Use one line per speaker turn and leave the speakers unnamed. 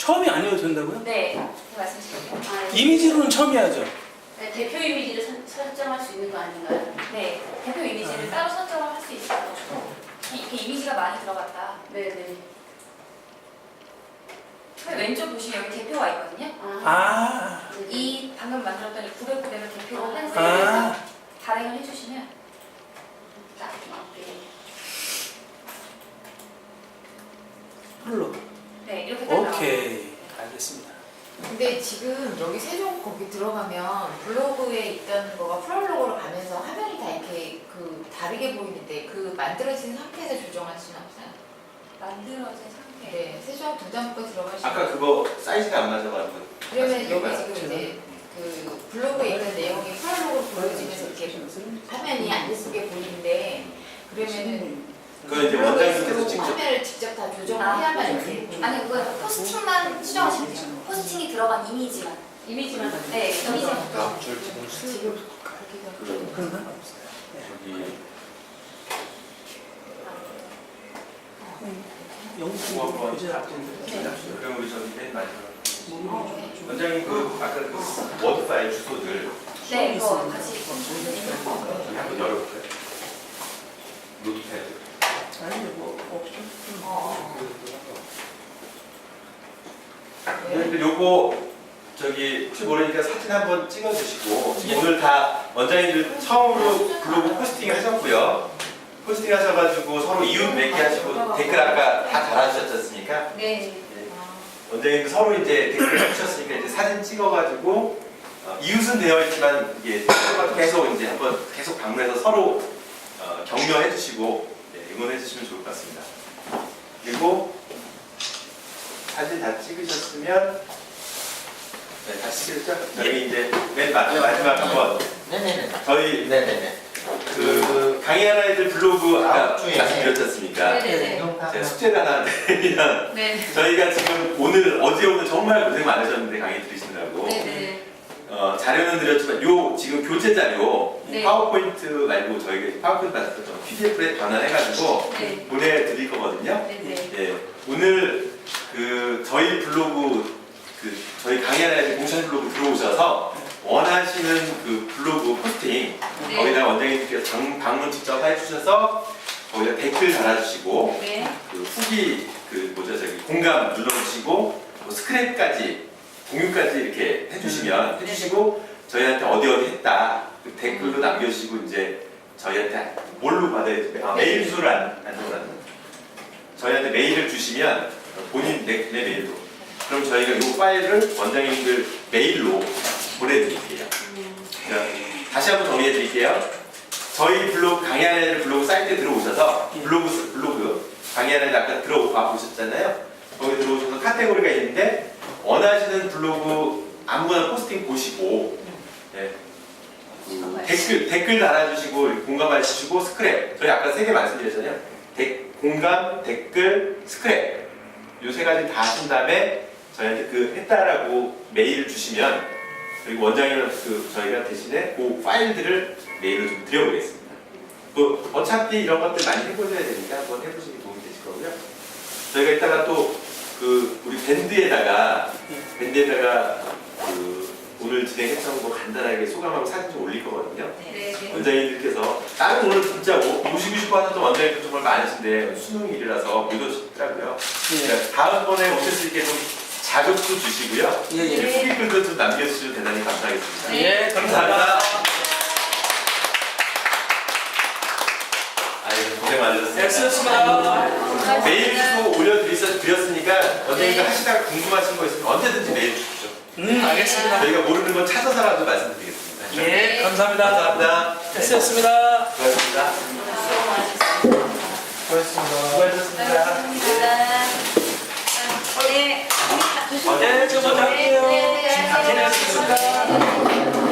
처음이 아니어도 된다고요?
네, 말씀드릴게요.
이미지로는 처음 해야죠.
네, 대표 이미지를 설정할 수 있는 거 아닌가요? 네, 대표 이미지를 따로 설정을 할 수 있어가지고 이렇게 이미지가 많이 들어갔다. 네네. 왼쪽 보시면 여기 대표가 있거든요. 이 방금 만들었던 이 900을 대표로 한 셀에서 발행을 해주시면 딱 이렇게.
홀로.
네, 이렇게 딱 나와요.
오케이. 알겠습니다.
근데 지금 여기 세종 거기 들어가면 블로그에 있던 거가 프롤로그로 가면서 화면이 다 이렇게 다르게 보이는데 그 만들어진 상태에서 조정할 수는 없어요?
만들어진 상태.
네, 세종 도장부 들어가시면
아까 그거 사이즈가 안 맞아가지고.
그러면 여기 지금 이제 그 블로그에 있는 내용이 프롤로그로 보여지면서 이렇게 화면이 안 예쁘게 보이는데 그러면은
그건 이제 원장님께서 직접.
화면을 직접 다 조정을 해야만 이렇게
아니 그거 포스팅만 수정하시면 돼요. 포스팅이 들어간 이미지만. 이미지만. 네, 이미지만.
다음 줄
지금
그런 건 없어요.
저기
영수 교재
그럼 우리 저기 맨 마지막 원장님 그 아까 그 워드 파일 주소들
네, 이거 같이.
저기 한번 열어볼까요? 노트패드.
아니 뭐 없죠.
근데 요거 저기 혹시 모르니까 사진 한번 찍어주시고 지금 오늘 다 원장님들 처음으로 블로그 포스팅 하셨고요. 포스팅 하셔가지고 서로 이웃 맺게 하시고 댓글 아까 다 달아주셨지 않습니까?
네.
원장님도 서로 이제 댓글 해주셨으니까 이제 사진 찍어가지고 이웃은 되어 있지만 이게 계속 이제 한번 계속 방문해서 서로 격려해 주시고 응원해 주시면 좋을 것 같습니다. 그리고 사진 다 찍으셨으면 네, 다 찍으셨죠? 저희 이제 맨 마지막 한번
네네네.
저희
네네네.
그 강의하는 아이들 블로그 아까
중에
말씀드렸지 않습니까?
네네네.
제가 숙제를 하나 드리면
네.
저희가 지금 어제 오늘 정말 고생 많으셨는데 강의 들으시느라고
네네.
자료는 드렸지만 요 지금 교재 자료
네.
파워포인트 말고 저희가 파워포인트 받았던 PDF에 변환해가지고
네.
보내드릴 거거든요.
네네.
예, 오늘 그 저희 블로그 저희 강의하는 아이들 공식 블로그 들어오셔서 원하시는 그 블로그 포스팅
네.
거기다 원장님께서 방문 직접 해주셔서 거기다 댓글 달아주시고
네.
그 후기 공감 눌러주시고 뭐 스크랩까지 공유까지 이렇게 해주시고 저희한테 어디 했다 그 댓글로 남겨주시고 이제 저희한테 뭘로 받아야 돼? 메일 주소를 안 적어놨나? 저희한테 메일을 주시면 본인 내 메일로 그럼 저희가 이 파일을 원장님들 메일로 보내드릴게요. 다시 한번 정리해 드릴게요. 저희 블로그 강의하는 애들 블로그 사이트에 들어오셔서 블로그 강의하는 애들 아까 들어와 보셨잖아요. 거기 들어오셔서 카테고리가 있는데 원하시는 블로그 아무거나 포스팅 보시고 댓글 달아주시고 공감해 주시고 스크랩 저희 아까 3개 말씀드렸잖아요. 공감, 댓글, 스크랩 요 3가지 다 하신 다음에 저희한테 그 했다라고 메일을 주시면 그리고 원장님은 저희가 대신에 그 파일들을 메일로 좀 드려보겠습니다. 어차피 이런 것들 많이 해보셔야 되니까 한번 해보시면 도움이 되실 거고요. 저희가 이따가 또 우리 밴드에다가 오늘 진행했던 거 간단하게 소감하고 사진 좀 올릴 거거든요.
네.
원장님들께서 다른 오늘 진짜 모시고 싶어 하셨던 원장님들 정말 많으신데 수능일이라서 못 오셨더라고요. 다음번에 오실 수 있게 좀 자극도 주시고요. 후기글도 좀 남겨주시면 대단히 감사하겠습니다.
예, 감사합니다.
고생 많으셨습니다.
수고하셨습니다.
메일 주소 올려드렸으니까 원장님들 하시다가 궁금하신 거 있으면 언제든지 메일 주십시오.
알겠습니다.
저희가 모르는 건 찾아서라도 말씀드리겠습니다.
예, 감사합니다.
감사합니다.
수고하셨습니다.
수고하셨습니다. 수고하셨습니다.
네.
네, 저 먼저 할게요.
네.
고생하셨습니다.